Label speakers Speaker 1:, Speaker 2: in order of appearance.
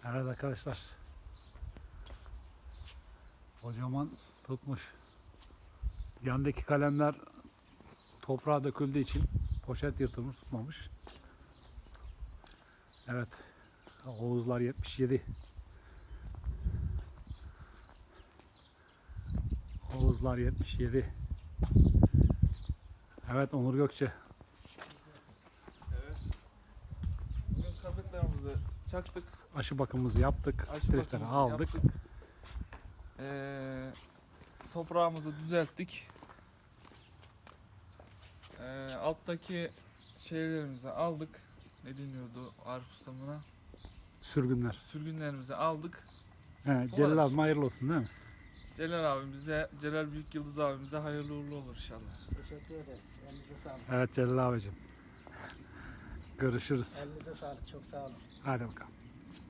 Speaker 1: Evet arkadaşlar. Kocaman tutmuş. Yandaki kalemler toprağa döküldüğü için poşet yırtılmış, tutmamış. Evet. Oğuzlar 77. Oğuzlar 77. Evet Onur Gökçe.
Speaker 2: Evet. Bugün kazıklarımızı çaktık.
Speaker 1: Aşı bakımımızı yaptık.
Speaker 2: Aşı
Speaker 1: Streçleri
Speaker 2: bakımımızı
Speaker 1: aldık.
Speaker 2: yaptık. Toprağımızı düzelttik. Alttaki şeylerimizi aldık. Ne deniyordu Arif Ustam buna?
Speaker 1: Sürgünler.
Speaker 2: Sürgünlerimizi aldık.
Speaker 1: He,
Speaker 2: Bu
Speaker 1: Celal
Speaker 2: kadar.
Speaker 1: abime hayırlı olsun değil mi?
Speaker 2: Celal Büyük Yıldız abimize hayırlı uğurlu olur inşallah.
Speaker 3: Teşekkür ederiz. Elinize sağlık.
Speaker 1: Evet Celal abicim. Görüşürüz.
Speaker 3: Elinize sağlık. Çok sağ olun.
Speaker 1: Hadi bakalım.